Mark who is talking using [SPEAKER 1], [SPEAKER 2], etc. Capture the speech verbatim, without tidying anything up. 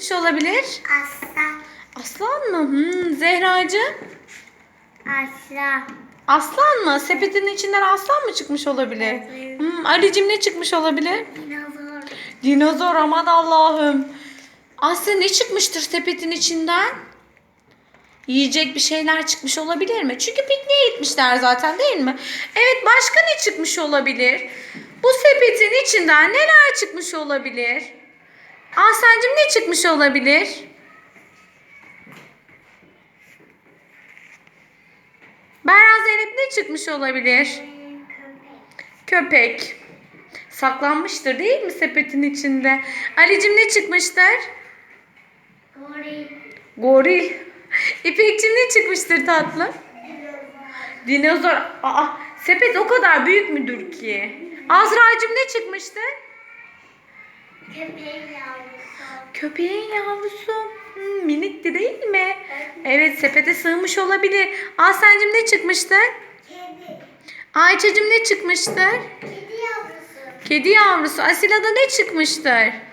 [SPEAKER 1] çıkmış olabilir?
[SPEAKER 2] Aslan.
[SPEAKER 1] Aslan mı? Hmm, Zehracığım.
[SPEAKER 2] Aslan.
[SPEAKER 1] Aslan mı? Sepetin içinden aslan mı çıkmış olabilir?
[SPEAKER 2] Evet.
[SPEAKER 1] Hmm, Ali'cim ne çıkmış olabilir?
[SPEAKER 2] Dinozor.
[SPEAKER 1] Dinozor, aman Allah'ım. Asya ne çıkmıştır sepetin içinden? Yiyecek bir şeyler çıkmış olabilir mi? Çünkü pikniğe gitmişler zaten, değil mi? Evet, başka ne çıkmış olabilir? Bu sepetin içinden neler çıkmış olabilir? Ahsen'cim ne çıkmış olabilir? Berra, Zeynep ne çıkmış olabilir? Köpek. Saklanmıştır değil mi sepetin içinde? Ali'cim ne çıkmıştır?
[SPEAKER 2] Goril.
[SPEAKER 1] Goril. İpek'cim ne çıkmıştır tatlım? Dinozor. Aa, sepet o kadar büyük müdür ki? Azra'cığım ne çıkmıştır?
[SPEAKER 2] Köpeğin yavrusu.
[SPEAKER 1] Köpeğin yavrusu. Hmm, minikti değil mi? Evet, sepete sığmış olabilir. Ahsen'cim ne çıkmıştır?
[SPEAKER 2] Kedi.
[SPEAKER 1] Ayça'cığım ne çıkmıştır?
[SPEAKER 2] Kedi yavrusu.
[SPEAKER 1] Kedi yavrusu. Asila'da ne çıkmıştır?